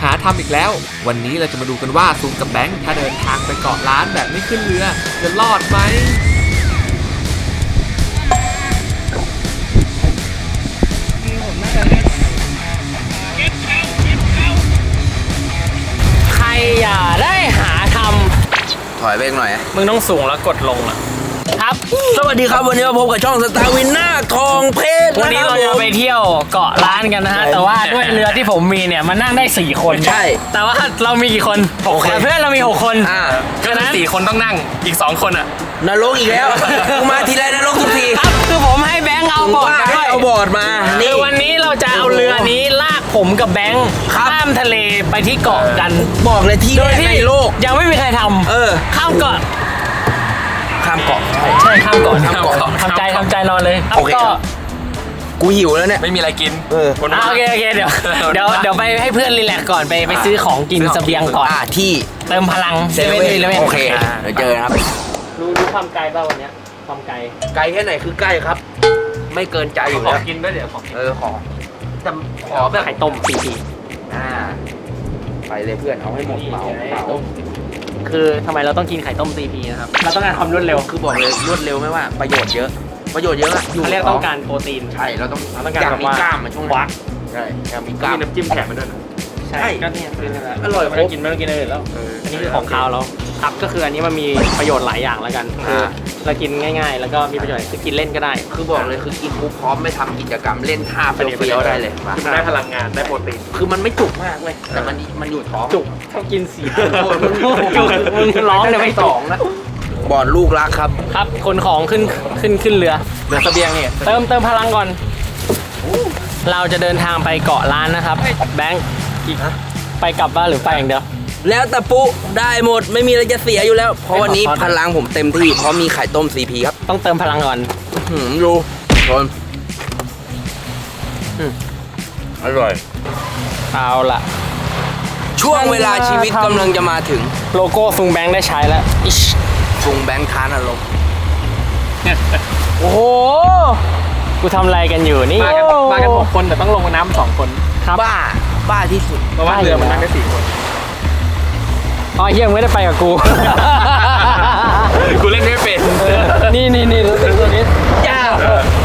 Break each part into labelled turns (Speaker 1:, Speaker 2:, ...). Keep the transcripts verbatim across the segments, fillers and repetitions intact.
Speaker 1: หาทำอีกแล้ววันนี้เราจะมาดูกันว่าซูมกับแบงค์ถ้าเดินทางไปเกาะล้านแบบไม่ขึ้นเรือจะรอดไหม
Speaker 2: ใครอย่าได้หาทำ
Speaker 3: ถอยไปหน่อย
Speaker 2: มึงต้องสูงแล้วกดลงอ่ะครับ
Speaker 3: สวัสดีครับวันนี้มาพบกับช่องสตาร์วินหน้าทองเพชร
Speaker 2: วันนี้เราจะไปเที่ยวเกาะล้านกันนะฮะแต่ว่าด้วยเรือที่ผมมีเนี่ยมันนั่งได้สี่คน
Speaker 3: ใช่
Speaker 2: แต่ว่าเรามีกี่คนหกคนเพื่อนเรามีหกคน
Speaker 3: อ่า
Speaker 2: ก็นั้นสี่คนต้องนั่งอีกสองคนอ่ะ
Speaker 3: นรกอีกแล้วกูมาทีไรนรกทุกที
Speaker 2: ครับคือผมให้แบงค์เอาบอร์ดมาด้วย
Speaker 3: เอาบอร์ดมา
Speaker 2: คือวันนี้เราจะเอาเรือนี้ลากผมกับแบงค์ข้ามทะเลไปที่เกาะกัน
Speaker 3: บอกเลยที่ในโลก
Speaker 2: ยังไม่มีใครทำ
Speaker 3: เออ
Speaker 2: ข้ามเกาะ
Speaker 3: ข้ามเกาะ
Speaker 2: ใช่ข้ามเกาะข้ามเกาะทำใจทำใจนอนเลย
Speaker 3: โอเคกูหิวแล้วเนี่ย
Speaker 2: ไม่มีอะไรกินเออโอเคโอเคเดี๋ยวเดี๋ยวเดี๋ยวไปให้เพื่อนรีแลกซ์ก่อนไปไปซื้อของกินเสบียงก่อน
Speaker 3: ที่
Speaker 2: เติมพลัง
Speaker 3: เซเว่นเลยโอเคเดี๋ยวเจอครับ
Speaker 2: รู้รู้ความไกลป่ะวันนี้ความไกล
Speaker 3: ไกลแค่ไหนคือใกล้ครับไม่เกินใจอยู่
Speaker 2: แล้วขอกินด้วยเดี๋ยวขอ
Speaker 3: เออขอแต่ขอแบบ
Speaker 2: ไข่ต้มปีปี
Speaker 3: อ่าไปเลยเพื่อนเอาให้หมดเหมา
Speaker 2: คือทำไมเราต้องกินไข่ต้มซีพีนะครับเราต้องการความรวดเร็ว
Speaker 3: คือบอกเลยรวดเร็วไม่ว่าประโยชน์เยอะประโยชน์เยอะ
Speaker 2: อยู่เรียกต้องการโปรตีน
Speaker 3: ใช่เราต้อง
Speaker 2: เราต้องการ
Speaker 3: มีกล้ามมาช่วง
Speaker 2: วัก
Speaker 3: ใช่อยากมีกล้าม
Speaker 2: มีน้ำจิ้มแถมมาด้วยนะใช่ก็เนี่ยอร่อยไม่ต้องกินไม่ต้องกินอะไรแล้วอันนี้คือของคาวเราครับก็คืออันนี้มันมีประโยชน์หลายอย่างแล้วกันคือเรากินง่ายๆแล้วก็มีประโยชน์คือกินเล่นก็ได้
Speaker 3: คือบอกเลยคือกินปุ๊บพร้อมไม่ทำกิจกรรมเล่นท่าเฟี้ยวๆได้เลย
Speaker 2: คือมันได้พลังงานได้โปรตีน
Speaker 3: คือมันไม่จุกมากเลยแต่มันมันอยู่ท้อง
Speaker 2: จุกเท่ากินสี่จุกมึงร้องเลยไม่
Speaker 3: สองนะบอดลูกรักครับ
Speaker 2: ครับคนของขึ้นขึ้นขึ้นเรือ
Speaker 3: เรือเสบียงเนี่ย
Speaker 2: เติมเติมพลังก่อนเราจะเดินทางไปเกาะล้านนะครับแบงค์อีกไปกลับบ้านหรือไปอย่างเดียว
Speaker 3: แล้วแต่ปุ๊ได้หมดไม่มีอะไรจะเสียอยู่แล้วเพราะวันนี้พลังผมเต็มที่เพราะมีไข่ต้ม ซี พี ครับ
Speaker 2: ต้องเติมพลังก่อน
Speaker 3: หืมดูชนอร่อย
Speaker 2: เอาล่ะ
Speaker 3: ช่วงเวลาชีวิตกำลังจะมาถึง
Speaker 2: โลโก้ซุงแบงค์ได้ใช้แล้ว
Speaker 3: ซุงแบงค์ทานอารมณ์
Speaker 2: โอ้โหกูทำอะไรกันอยู่นี่
Speaker 4: มากันมากันหกคนแต่ต้องลงน้ำสองคน
Speaker 2: ครับ
Speaker 3: บ้าบ้าที่สุด
Speaker 4: เพราะว่าเรือมันนั่งได้สี่คน
Speaker 2: อ๋อเฮียไม่ได้ไปกับกู
Speaker 4: กูเล่นไม่เป็น
Speaker 2: นี่นี่นี่รู้สึกตัวนี้
Speaker 3: ยาก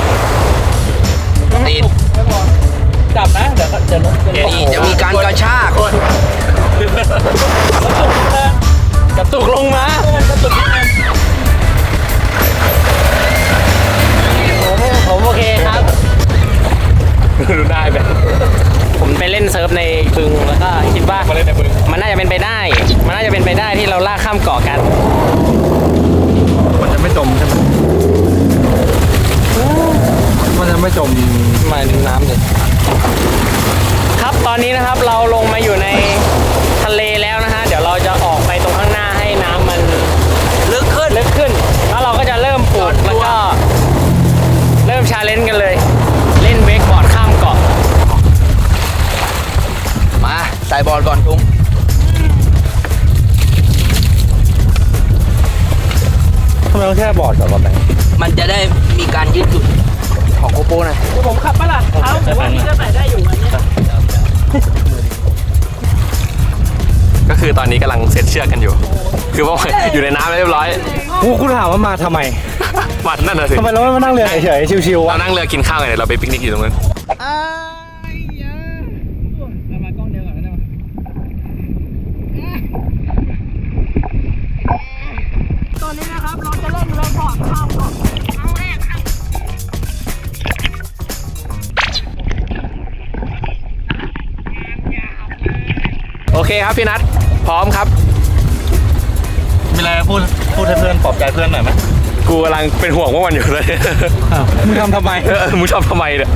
Speaker 3: ติด
Speaker 2: จับนะเดี๋ยวเดี๋ยว
Speaker 3: นี่จะมีการกระชาก
Speaker 2: กระตุกลงมากระตุกผมผมโอเคครับ
Speaker 4: ดูได้แบบ
Speaker 2: ผมไปเล่นเซิร์ฟในบึงแล้วก็คิดว่ามันน่าจะเป็นไปได้มันน่าจะเป็นไปได้ที่เราลากข้ามเกาะกัน
Speaker 4: มันจะไม่จมใช่ไหมมันจะไม่จม
Speaker 2: มาน้ำเลยครับตอนนี้นะครับเราลงมาอยู่ในทะเลแล้วนะฮะเดี๋ยวเราจะออกไปตรงข้างหน้าให้น้ำมัน
Speaker 3: ลึกขึ้น
Speaker 2: ลึกขึ้นแล้วเราก็จะเริ่มปลูกแล้วก็เริ่มชาเลนจ์กันเลยเล่นเวกบอร์ดข้ามเกาะ
Speaker 3: มาใส่บอลก่อนทุง
Speaker 4: ทำไมต้องแค่บอร์ดก่อนวะแบงค์
Speaker 3: มันจะได้มีการยืดหยุ่นของโกโปหน่อย
Speaker 2: ผมขับปะล่ะเอาแต่ว่าพี่ก็ใส่ได้อยู่อันนี้
Speaker 4: ก็คือตอนนี้กำลังเซ็ตเชือกกันอยู่คือว่าอยู่ในน้ำเรียบร้อย
Speaker 5: กูคุณถามว่ามาทำไม
Speaker 4: มานั่นน่ะสิ
Speaker 5: ทำไมเราไม่มานั่งเรือเฉยๆชิวๆ
Speaker 4: เรานั่งเรือกินข้าวกันเดี๋ยวเราไปปิกนิกอยู่ตรงนั้น
Speaker 2: ตอนนี้นะครับเราจะเล่นเรือบอร์ดข้ามเกาะครั้งแรกครับ
Speaker 4: โอเคครับพี่นัทพร้อมครับ
Speaker 5: มีอะไรพูดพูดให้เพื่อนปลอบใจเพื่อนหน่อยไหม
Speaker 4: กูกำลังเป็นห่วงว่ามันอยู่เลย
Speaker 5: มึงทำทำไม
Speaker 4: เออมึงทำทำไมเนี่ย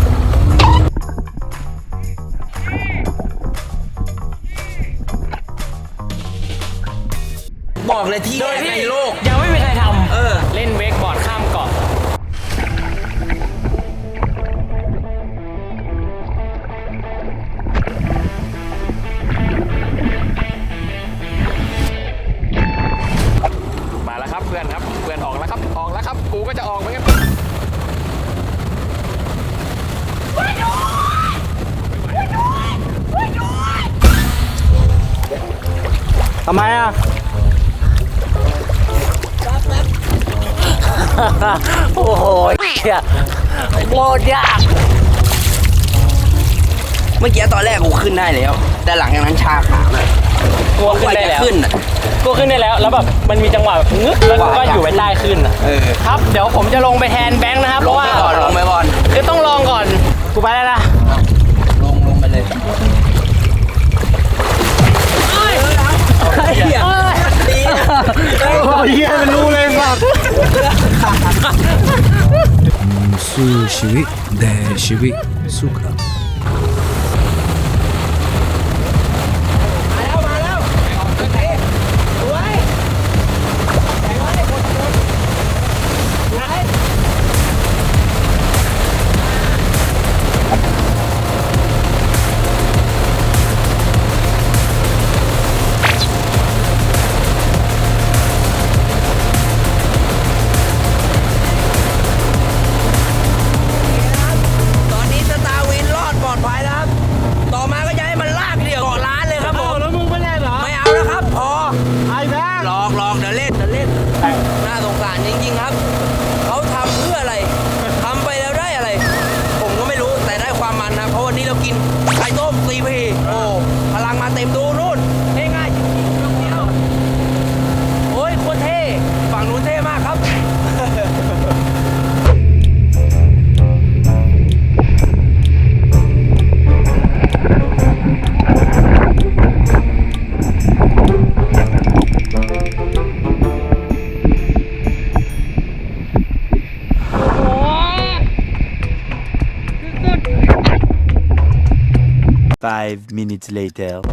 Speaker 3: บอกเลยที่ในโลก
Speaker 2: ยังไม่มีใครทำ
Speaker 3: เออ
Speaker 2: เล่นเวกบอร์ดข้ามเกาะ
Speaker 4: มาแล้วครับเพื่อนครับเพื่อนออกแล้วครับออกแล้วครับกูก็จะออกเหมือนกัน
Speaker 5: ำไมอ่ะ
Speaker 2: โอ้โหเหี้ยโคตรยาก
Speaker 3: เมื่อกี้ตอนแรกกูขึ้นได้แล้ว แต่หลังจากนั้นชาขาเลย
Speaker 2: กลัวขึ้นได้แล้ว
Speaker 3: ขึ้นอ่ะ
Speaker 2: กลัวขึ้นได้แล้วแล้วแบบมันมีจังหวะแบบงึกแล้วก็อยู่ไว้ใต้ขึ้นอ่ะ
Speaker 3: เออ
Speaker 2: ครับเดี๋ยวผมจะลงไปแทนแบงค์นะครับเพ
Speaker 3: ลง
Speaker 2: ราะ
Speaker 3: ไป
Speaker 2: ว่า
Speaker 3: ก่อนลงไปก่อน
Speaker 2: คือต้องลองก่อนกูไปแล้วนะ
Speaker 3: ลงลงไปเลยเฮียดี
Speaker 5: โอ้ยเฮียมันรู้เลยมาก
Speaker 6: สู้ชีวิตแต่ชีวิตสุข
Speaker 3: ตอนนี้สตาร์วินรอดปลอดภัยแล้วครับ ต่อมาก็จะให้มันลากเดี่ยวเกาะล้านเลยครับผม
Speaker 5: แล้วมึงไม่เล่นเหรอ
Speaker 3: ไม่เอาแล้วครับพอ
Speaker 5: ไอ้แม่ง
Speaker 3: หลอกหลอกเดี๋ยวเล่นเดี๋ยวเล่น น่าสงสารจริงๆครับ เขาทำเพื่ออะไร ทำไปแล้วได้อะไร ผมก็ไม่รู้แต่ได้ความมันนะ เพราะวันนี้เรากินไข่ต้มซีพีโอ้พลังมาเต็มดูนู่นง่ายๆจริงๆเรื่องเดียวโอ้ยโคตรเท่ฝั่งนู้นเท่มากครับ
Speaker 7: Five minutes later.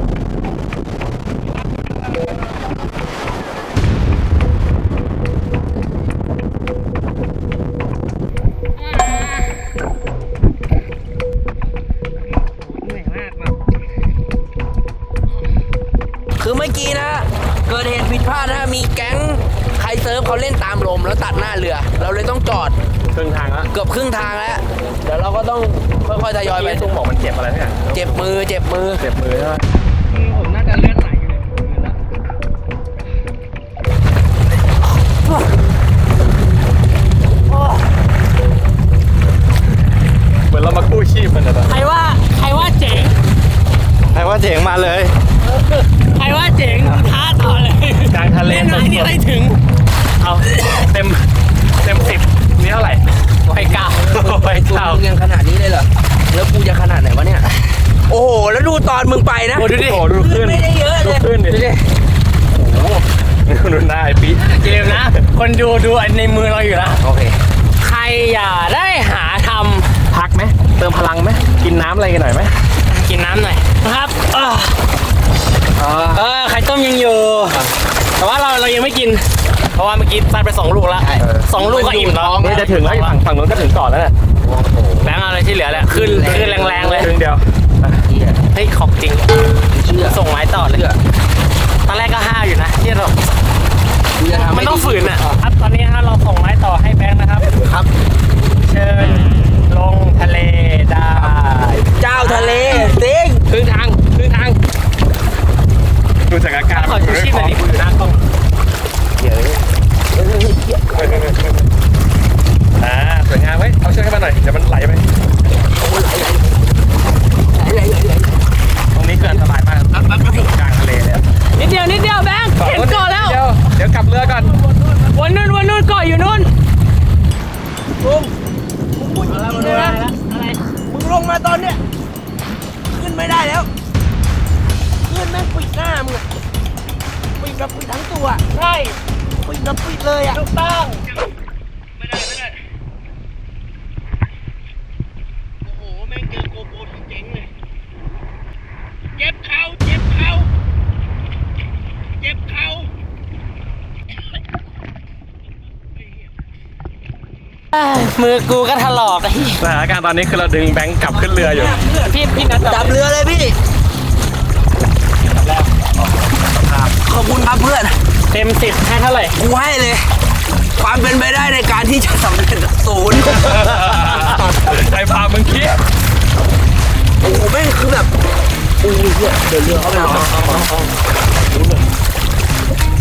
Speaker 3: คือเมื่อกี้นะ เกิดเหตุผิดพลาดนะมีแก๊งใครเซิร์ฟเขาเล่นตามลมแล้วตัดหน้าเรือ เราเลยต้องจอด
Speaker 4: ครึ่งทางแล้ว
Speaker 3: เกือบครึ่งทางแล้ว เดี๋ยวเราก็ต้องค่อยๆทยอยไป
Speaker 4: ตุ้งบอกมันเจ็บอะไรเนี่ย
Speaker 3: เจ็บมือเจ็บมือ
Speaker 4: เจ็บมือใช่ไหม
Speaker 2: ผมน่าจะเลื่อนไหลอยู่เลยแล้ว
Speaker 4: เหมือนเรามากู้ชีพมันนะตอน
Speaker 2: ใครว่าใครว่าเจ๋ง
Speaker 5: ใครว่าเจ๋งมาเลย
Speaker 2: ใครว่าเจ๋งท้าต่อเลย
Speaker 4: กลางทะเล
Speaker 2: เล่นไหนนี่อะไรถึง
Speaker 4: เอาเต็มเต็มสิบนี่เท่าไหร่
Speaker 2: ไว้เก้า
Speaker 4: ไป
Speaker 3: ตัว
Speaker 4: เท่า
Speaker 3: มึงยังขนาดนี้เลยเหรอ แล้วกูจะขนาดไหนวะเนี่ย โอ้โห แล้วดูตอนมึงไปนะ
Speaker 4: โอ้ดูดิโอ้ดูขึ้น
Speaker 3: ไม่ได้เยอะเลย
Speaker 4: ดูขึ้นดิโอ้โหดูหน้าไอ้ปี
Speaker 2: อย่าลืมนะ คนดูดูในมือเราอยู่นะ
Speaker 3: โอเค
Speaker 2: ใครอย่าได้หาท
Speaker 4: พักไหมเติมพลังไหมกินน้ำอะไรกันหน่อยไหม
Speaker 2: ำกินน้ำหน่อยนะครับเออเออไข่ต้มยังอยู่ แต่ว่าเราเรายังไม่กิน เพราะว่าเมื่อกี้ซัดไปสองลูกแล้วสองลูกก็อิ่มแล้ว
Speaker 4: นี่จะถึงแล้วฝั่งฝั่งนู้นก็ถึงก่อนแล้วเนี่ย
Speaker 2: แบงค์เอาอะไรที่เหลือแหละขึ้นขึ้นแรงๆเลย
Speaker 4: ครึ่งเดียว
Speaker 3: เหี้ย
Speaker 2: เฮ้ยของจริง
Speaker 3: เชื่อ
Speaker 2: ส่งไม้ต่อเลย
Speaker 3: เชื่อ
Speaker 2: ตอนแรกก็ห้าวอยู่นะที่เรา
Speaker 3: กูจะทำให้
Speaker 2: มันต้อง
Speaker 3: ดี
Speaker 2: ฝืนอ่ะครับตอนนี้ฮะเราส่งไม้ต่อให้แบงค์นะครับ
Speaker 3: ครับ
Speaker 2: เชิญลงทะเลได้
Speaker 3: เจ้าทะเลสิง
Speaker 2: ครึ่งทางครึ่งทาง
Speaker 4: ดูจากอาการ
Speaker 2: ขอชูชีพหน่อยดิกูอยู่หน้ากล้อง
Speaker 4: อ่าสวยงามไว้เอาเชือกให้มันหน่อยเดี๋ยวมันไหลไปตรงนี้เกินสบายมากกลางทะเลเลย
Speaker 2: นิดเดียวนิดเดียวแบงค์เห็นเกาะแล้ว
Speaker 4: เดี๋ยวเดี๋ยวกลับเรือก่อน
Speaker 2: วันนู้นวันนู้นเกาะอยู่นู้น
Speaker 3: ลุงมึงพูดจริงๆเลยนะ
Speaker 2: อะไร
Speaker 3: มึงลงมาตอนเนี้ยขึ้นไม่ได้แล้วขึ้นแม่งปิดหน้ามึงอะปิดแบบปิดทั้งตัว
Speaker 2: ใช่
Speaker 3: ปิดแบบปิดเลยอ่ะ
Speaker 2: ถูกต้อง
Speaker 3: ไม่ได้ไม่ได้โอ้โหแม่งเจอโกโปรทั้งเจ๋งเลยเจ็บเข่าเจ็บเข่าเจ็บเข่า
Speaker 2: มือกูก็ถลอกไอ้
Speaker 4: สถานการณ์ตอนนี้คือเราดึงแบงค์กลับขึ้นเรืออยู่
Speaker 2: พี่พี่นัท
Speaker 3: จับเรือเลยพี่ขอบคุณครับเพื่อน
Speaker 2: เต็มสิบให้เท่าไหร่
Speaker 3: กูให้เลย ความเป็นไปได้ในการที่จะสำเร็จศูนย์
Speaker 4: ใจพามึงคิด
Speaker 3: โอ้โหแม่งคือแบบโอ้ยเหี้ยเดินเรือเข้าไปเลย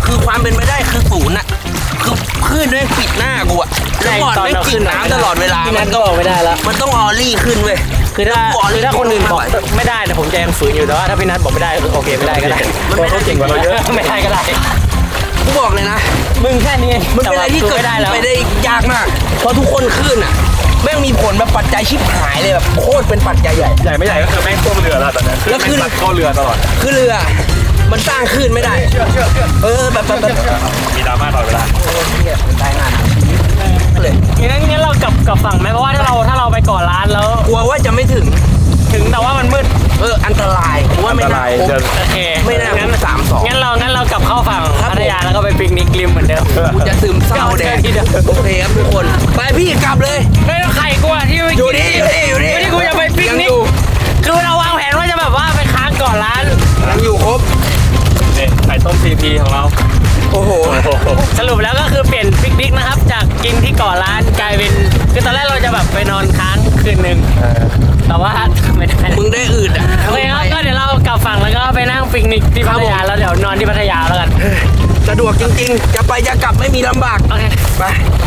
Speaker 3: คือความเป็นไปได้คือศูนย์อะคือคลื่นด้วยปิดหน้ากูอะแล้วก่อนไม่กินน้ำตลอดเวลา
Speaker 2: พี่นัทก็บอกไม่ได้แล้ว
Speaker 3: มันต้องออลลี่ขึ้นเว้ย
Speaker 2: คือถ้าคือถ้าคนอื่นบอกไม่ได้แต่ผมจะยังฝืนอยู่แต่ว่าถ้าพี่นัทบอกไม่ได้โอเคไม่ได้ก็ได้เพราะเขาเก่งกว่าเราเยอะไม่ได้ก็ได้
Speaker 3: กูบอกเลยนะ
Speaker 2: มึงแค่นี้
Speaker 3: มันเป็นอะไรที่เกิด
Speaker 2: ไม่ได้แล้ว
Speaker 3: ไปได้ยากมาก เพราะทุกคนขึ้นอ่ะแม่งมีผลแบบปัจจัยชิบหายเลยแบบโคตรเป็นปัจจัยใหญ่
Speaker 4: ใหญ่ไม่ใหญ่ก็คือแม่งท่วมเรือแล้วตอนนั้น
Speaker 3: แล้วขึ้น
Speaker 4: เข้าเรือตลอด
Speaker 3: คือเรือมันสร้างขึ้นไม่ได้ เออแบบแบบแบบ
Speaker 4: มีดราม่าตลอดเวลา
Speaker 3: โอ้เหี้ยตายงานเลย
Speaker 2: งั้นงั้นเรากลับกลับฝั่งไหมเพราะว่าถ้าเราถ้าเราไปก่อร้านแล้ว
Speaker 3: กลัวว่าจะไม่ถึง
Speaker 2: ถึงแต่ว่ามันมืด
Speaker 3: เอออันตรายผมว่าไม่น่าครบ
Speaker 2: โอเค
Speaker 3: ไม่น่า
Speaker 2: งั้น
Speaker 3: สามสอง
Speaker 2: งั้นเรางั้นเรากลับเข้าฝั่ง
Speaker 3: ครับ
Speaker 2: พัทยาแล้วก็ไปปิกนิกริมเหมือนเดิม
Speaker 3: กูจะซึมเศร้าแดง
Speaker 2: ที่เดิม
Speaker 3: โอเคครับทุกคนไปพี่กลับเลย
Speaker 2: ไม่ต้องไข่กูอะที่ไป
Speaker 3: อยู่
Speaker 2: กิ
Speaker 3: นี่อยู่นี่อยู่นี่
Speaker 2: ที่กูจะไปปิก
Speaker 3: ยัง
Speaker 2: นิ
Speaker 3: อก ยู่
Speaker 2: คือเราวางแผนว่าจะแบบว่าไปค้างก่อนร้าน
Speaker 3: ยังอยู่ครบ
Speaker 4: เนี่ยไข่ต้มซีพีของเรา
Speaker 3: โอ้โห
Speaker 2: สรุปแล้วก็คือเปลี่ยนปิกนิกนะครับ จากกินที่ก่อร้านกลายเป็นคือตอนแรกเราจะแบบไปนอนค้างคืนหนึ่งแต่ว่าไม่ได้
Speaker 3: มึงได้อื่นอ่ะ
Speaker 2: โอเคครับก็เดี๋ยวเรากลับฝั่งแล้วก็ไปนั่งปิกนิกที่พัทยาแล้วเดี๋ยวนอนที่พัทยาแล้วกัน
Speaker 3: สะดวกจริงๆ จะไปจะกลับไม่มีลำบาก
Speaker 2: โอเค
Speaker 3: ไป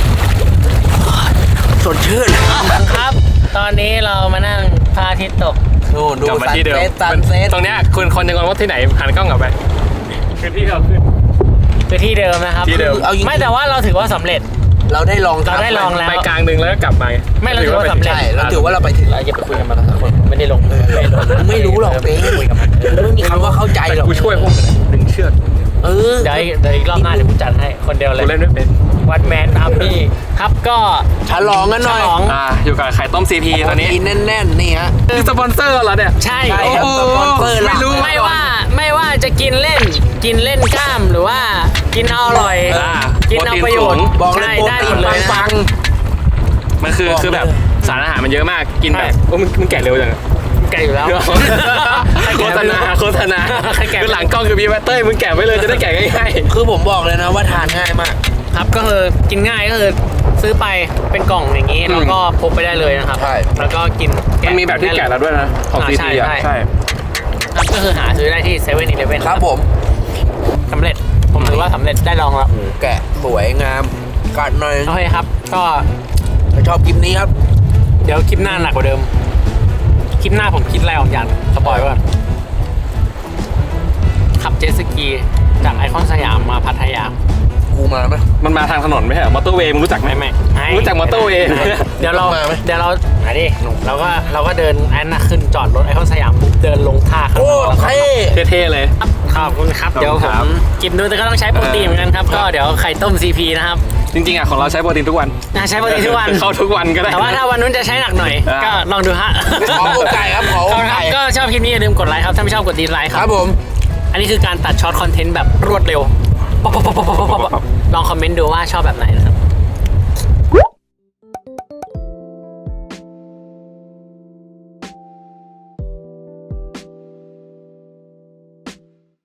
Speaker 3: สดชื่น
Speaker 2: ครับ ตอนนี้เรามานั่งพระอาทิตย์ตก
Speaker 3: ดูดู
Speaker 4: กลับมา
Speaker 3: ซัน
Speaker 4: ที่เดิม
Speaker 3: เซ็ตซันเซ็ต
Speaker 4: ตรงเนี้ยคุณคนยังงงว่าที่ไหนหันกล้องกลับไปคือที่เราขึ้น
Speaker 2: คือที่เดิมนะครับ
Speaker 4: ที่เดิม
Speaker 3: เอาจริงๆ
Speaker 2: ไม่แต่ว่าเราถือว่าสำเร็จ
Speaker 3: เราได้ลอง
Speaker 2: เราได้ลองแล้ว
Speaker 4: ไปกลางหนึ่งแล้วก็กลับมา
Speaker 2: ไม่เราถือว่าสำเร็จ
Speaker 3: ใช่เราถือว่าเราไปถึง
Speaker 2: เราอย่าไปคุยกันมาทั้งคนไม่ได้ลงไม่ลง
Speaker 3: ไม่รู้หรอกเป้
Speaker 2: คุยกันมา
Speaker 3: ไม่มีคำว่าเข้าใจ
Speaker 4: แต่
Speaker 3: หรอก
Speaker 4: กูช่วยพวกหนึ่งเชือก
Speaker 3: เออ
Speaker 2: เดี๋ยวอีกเดี๋ยวอีกรอบหน้าเดี๋ยวกูจัดให้คนเดียวเลย
Speaker 4: กูเล่นไม่เป็น
Speaker 2: วันแมนอาร์มี่ครับก็
Speaker 3: ฉลองกันหน่อย
Speaker 2: ฉลอง
Speaker 4: อ่าอยู่กับไข่ต้มซีพีตอนนี้
Speaker 3: กินแน่นๆนี่ฮะ
Speaker 4: นี่สปอนเซอร์เหรอเนี่ย
Speaker 2: ใช่
Speaker 3: ใช่ครับ
Speaker 4: โอ้โห
Speaker 3: สปอนเซอร์หลัก
Speaker 4: ไม่รู้
Speaker 2: ไม่ว่าไม่ว่าจะกินเล่นกินเล่นกล้ามหรือว่ากินเอาอร่อย
Speaker 4: อ่า
Speaker 2: กินเอาประโยชน์
Speaker 3: บอกเลย
Speaker 2: ใช่
Speaker 3: โปร
Speaker 2: ได้
Speaker 3: ตี
Speaker 2: หม
Speaker 3: น
Speaker 2: ดเลยนะ
Speaker 3: ปัง
Speaker 4: มันคือ
Speaker 3: บอก
Speaker 4: คือแบบ
Speaker 3: เลย
Speaker 4: สารอาหารมันเยอะมากกินแบบ
Speaker 2: ใช่
Speaker 4: โอ้มึงมึงแก่เร็วจังอะ
Speaker 2: แกอยู่แล้ว
Speaker 4: โฆษณาโฆษณา
Speaker 2: ใครแก่
Speaker 4: คือหลังกล้องคือพี่แวตเต้ยมึงแก่ไว้เลยจะได้แก่ง่าย
Speaker 3: ๆคือผมบอกเลยนะว่าทานง่ายมาก
Speaker 2: ครับก็คือกินง่ายก็คือซื้อไปเป็นกล่องอย่างนี้แล้วก็พกไปได้เลยนะครับ
Speaker 3: ใช่
Speaker 2: แล้วก็กิน
Speaker 4: ๆมันมีแบบที่แก่แล้วด้วยนะของ
Speaker 2: อ่า
Speaker 4: ซี
Speaker 2: ใช่
Speaker 4: พีอ่ะ
Speaker 2: ใช่
Speaker 4: ใช่
Speaker 2: ครับก็คือหาซื้อได้ที่เซเว่นอีเลฟเว่น
Speaker 3: ครับผม
Speaker 2: สำเร็จผมถือว่าสำเร็จได้ลองแล้ว
Speaker 3: แกะสวยงามกัดหน่อย
Speaker 2: โอเคครับ ก็
Speaker 3: ถ้าชอบคลิปนี้ครับ
Speaker 2: เดี๋ยวคลิปหน้าหนักกว่าเดิมคลิปหน้าผมคิดอะไรออกอย่างสปอยไว้ก่อนขับเจ็ตสกีจากไอคอนสยามมาพัทยา
Speaker 3: กูมาไหม
Speaker 4: มันมาทางถนนไม่ใช่เหรอมอเตอร์เวย์มึงรู้จักไหม
Speaker 2: ไม่ไม่
Speaker 4: รู้จักมอเตอร์เวย์
Speaker 2: เดี๋ยวเรา
Speaker 3: มาไหม
Speaker 2: เดี๋ยวเราไหนดิเราก็เราก็เดินไอ้น่ะขึ้นจอดรถไอคอนสยามปุ๊บเดินลงท่าข้าง
Speaker 3: โอ้
Speaker 2: นอกแล้วก็
Speaker 3: เท่
Speaker 4: เท่ๆเลย
Speaker 2: ขอบคุณครับ
Speaker 4: ขอบคุณ
Speaker 2: เดี๋ยวผ
Speaker 4: ครั
Speaker 2: ม
Speaker 4: บ
Speaker 2: กินด้วยแต่ก็ต้องใช้โปรตีนเหมือนกันครับ ก็เดี๋ยวไข่ต้ม ซี พี นะครับ
Speaker 4: จริงๆอ่ะของเราใช้โปรตีนทุกวัน
Speaker 2: น่าใช้โปรตีนทุกวัน
Speaker 4: เข้าทุกวันก็ได้
Speaker 2: แต่ว่าถ้าวันนู้นจะใช้หนักหน่อย
Speaker 4: อ่า
Speaker 2: ก็ลองดูฮะ
Speaker 3: ขอโอกาสครับขอโอ
Speaker 2: ขอบคุณค
Speaker 3: กา
Speaker 2: รับ
Speaker 3: ส
Speaker 2: ก็ชอบคลิปนี้อย่าลืมกดไลค์ครับ ถ้าไม่ชอบกดดีไลค์
Speaker 3: ค
Speaker 2: ค
Speaker 3: รั
Speaker 2: รั
Speaker 3: บบ ผม
Speaker 2: อันนี้คือการตัดช็อตคอนเทนต์แบบรวดเร็วป๊อปป๊อปป๊อปป๊อปป๊อปลองคอมเมนต์ดูว่าชอบแบบไหนนะครับ